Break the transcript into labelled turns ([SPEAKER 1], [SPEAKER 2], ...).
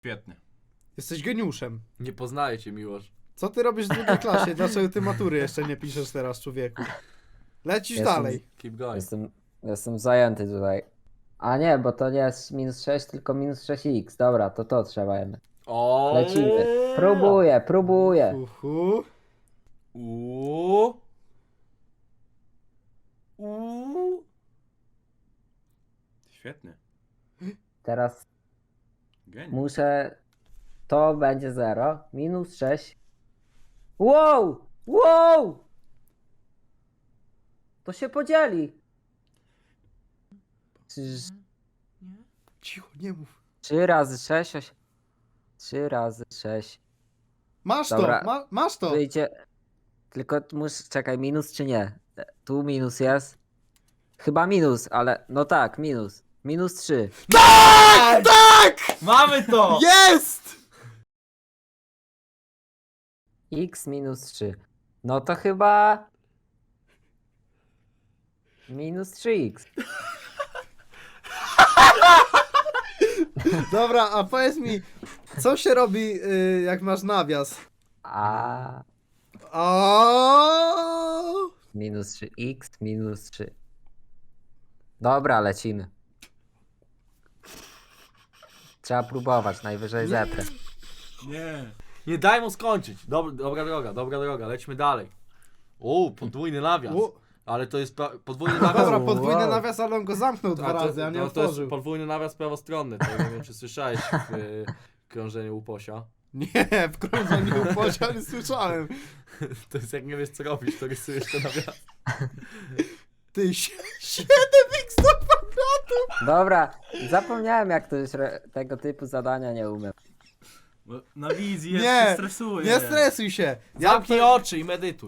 [SPEAKER 1] Świetnie.
[SPEAKER 2] Jesteś geniuszem.
[SPEAKER 3] Nie poznaję cię, Miłosz.
[SPEAKER 2] Co ty robisz w drugiej klasie? Dlaczego ty matury jeszcze nie piszesz teraz, człowieku? Lecisz
[SPEAKER 4] Jestem-
[SPEAKER 2] dalej.
[SPEAKER 3] Keep going.
[SPEAKER 4] Jestem zajęty tutaj. A nie, bo to nie jest -6, tylko -6x. Dobra, to trzeba jednak.
[SPEAKER 3] O.
[SPEAKER 4] Lecimy. Próbuję.
[SPEAKER 2] Uhu.
[SPEAKER 3] Uuu.
[SPEAKER 1] Świetnie.
[SPEAKER 4] Teraz
[SPEAKER 1] Geniusz.
[SPEAKER 4] muszę... To będzie 0. -6. Wow! To się podzieli.
[SPEAKER 2] Cicho, nie mów.
[SPEAKER 4] 3 razy 6, 3 razy 6.
[SPEAKER 2] Masz
[SPEAKER 4] Dobra.
[SPEAKER 2] to, masz to.
[SPEAKER 4] Wyjdzie... Tylko muszę... Czekaj, minus czy nie? Tu minus jest. Chyba minus, ale... No tak, minus. -3.
[SPEAKER 2] Tak! Tak!
[SPEAKER 1] Mamy to!
[SPEAKER 2] Jest!
[SPEAKER 4] X -3. No to chyba... -3x.
[SPEAKER 2] Dobra, a powiedz mi, co się robi, jak masz nawias?
[SPEAKER 4] A
[SPEAKER 2] O!
[SPEAKER 4] -3x, -3. Dobra, lecimy. Trzeba próbować, najwyżej zetrę.
[SPEAKER 1] Nie.
[SPEAKER 3] Nie daj mu skończyć. Dobra droga, lećmy dalej. O, podwójny nawias.
[SPEAKER 2] U.
[SPEAKER 3] Ale to jest podwójny nawias.
[SPEAKER 2] Dobra, podwójny
[SPEAKER 4] Wow.
[SPEAKER 2] nawias, ale on go zamknął dwa razy, a nie
[SPEAKER 3] to jest
[SPEAKER 2] otworzył.
[SPEAKER 3] podwójny nawias prawostronny. To nie wiem, czy słyszałeś w krążeniu Uposia.
[SPEAKER 2] Nie, w krążeniu upocia nie słyszałem.
[SPEAKER 3] To jest jak nie wiesz co robić, to rysujesz ten nawias.
[SPEAKER 2] Ty, 7x do kwadratu!
[SPEAKER 4] Dobra, zapomniałem jak to jest tego typu zadania nie umiem.
[SPEAKER 1] Bo na wizji
[SPEAKER 2] Nie,
[SPEAKER 1] się stresuje.
[SPEAKER 2] Nie stresuj się.
[SPEAKER 3] Zamknij oczy i medytuj.